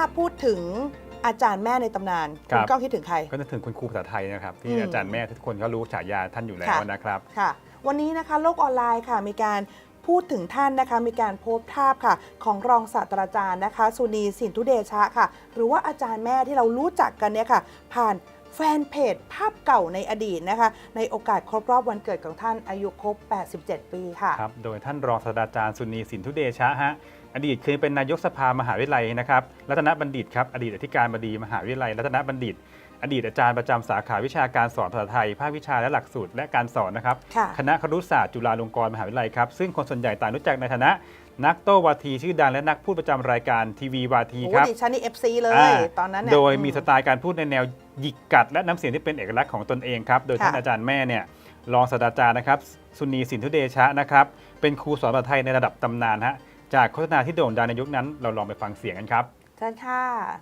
พูดถึงอาจารย์แม่ในตำนานคุณก้องคิดถึงใครก็จะถึงคุณครูภาษาไทยนะครับที่อาจารย์แม่ทุกคนก็รู้ฉายาท่านอยู่แล้วนะครับค่ะวันนี้นะคะโลกออนไลน์ค่ะมีการพูดถึงท่านนะคะมีการโพสต์ภาพค่ะของรองศาสตราจารย์นะคะสุนีสินธุเดชะค่ะหรือว่าอาจารย์แม่ที่เรารู้จักกันเนี่ยค่ะผ่านแฟนเพจภาพเก่าในอดีตนะคะในโอกาสครบรอบวันเกิดของท่านอายุครบ87 ปีค่ะครับโดยท่านรองศาสตราจารย์สุนีสินธุเดชะฮะอดีตเคยเป็นนายกสภามหาวิทยาลัยนะครับรัตนบัณฑิตครับอดีตอธิการบดีมหาวิทยาลัยรัตนบัณฑิตอดีตอาจารย์ประจำสาขาวิชาการสอนภาษาไทยภาควิชาและหลักสูตรและการสอนนะครับคณะครุศาสตร์จุฬาลงกรณ์มหาวิทยาลัยครับซึ่งคนส่วนใหญ่ต่างรู้จักในฐานะนักโต้วาทีชื่อดังและนักพูดประจำรายการทีวีวาทีครับดิฉันนี่ FC เลยตอนนั้นโดยมีสไตล์การพูดในแนวหยิกกัดและน้ำเสียงที่เป็นเอกลักษณ์ของตนเองครับโดยท่านอาจารย์แม่เนี่ยรองศาสตราจารย์นะครับสุนีสินธุเดชะนะครับเป็นครูสอนภาษาไทยในระดับตำนานฮะจากโฆษณาที่โด่งดังในยุคนั้นเราลองไปฟังเสียงกันครับเชิญค่ะ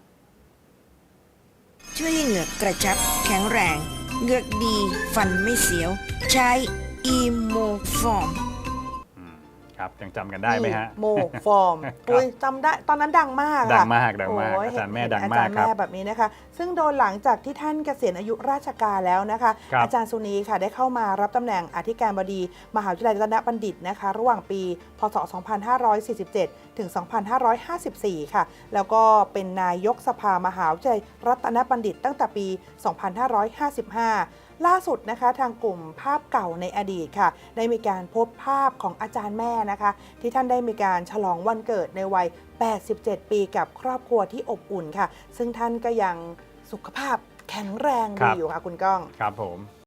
ช่วยให้เหงือกกระชับแข็งแรงเหงือกดีฟันไม่เสียวใช้อีโมฟอร์มครับยังจำกันได้ไหมฮะโมฟอร์มจำได้ตอนนั้นดังมากดังมากอาจารย์แม่ดังมากครับแบบนี้นะคะซึ่งโดยหลังจากที่ท่านเกษียณอายุราชการแล้วนะคะอาจารย์สุนีค่ะได้เข้ามารับตำแหน่งอธิการบดีมหาวิทยาลัยรัตนบัณฑิตนะคะระหว่างปีพศ 2547 ถึง 2554 ค่ะแล้วก็เป็นนายกสภามหาวิทยาลัยรัตนบัณฑิตตั้งแต่ปี 2555ล่าสุดนะคะทางกลุ่มภาพเก่าในอดีตค่ะได้มีการพบภาพของอาจารย์แม่นะคะที่ท่านได้มีการฉลองวันเกิดในวัย 87 ปีกับครอบครัวที่อบอุ่นค่ะซึ่งท่านก็ยังสุขภาพแข็งแรงดีอยู่ค่ะคุณก้องครับผม